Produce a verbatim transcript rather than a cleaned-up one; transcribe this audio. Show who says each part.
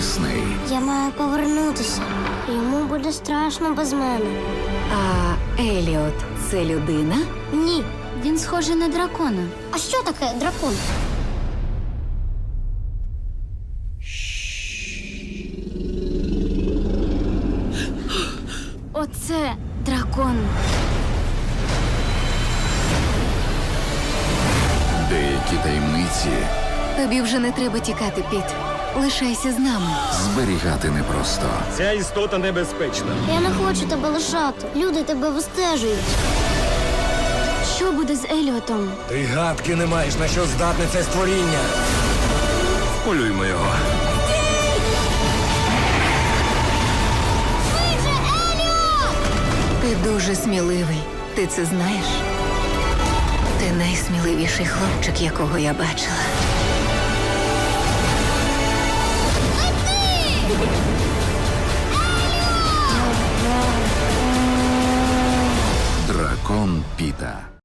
Speaker 1: Дисней.
Speaker 2: Я маю повернутися. Йому буде страшно без мене.
Speaker 3: А Еліот – це людина?
Speaker 2: Ні.
Speaker 3: Він схожий на дракона.
Speaker 2: А що таке дракон?
Speaker 3: Оце дракон.
Speaker 1: Деякі таємниці
Speaker 3: Тобі вже не треба тікати, Піт. Лишайся з нами.
Speaker 1: зберігати непросто.
Speaker 4: Ця істота небезпечна.
Speaker 2: Я не хочу тебе лишати. Люди тебе вистежують.
Speaker 3: Що буде з Еліотом?
Speaker 4: Ти гадки не маєш, на що здатне це створіння. Вполюймо його.
Speaker 3: Ти дуже сміливий. Ти це знаєш? Ти найсміливіший хлопчик, якого я бачила.
Speaker 1: Дракон Піта.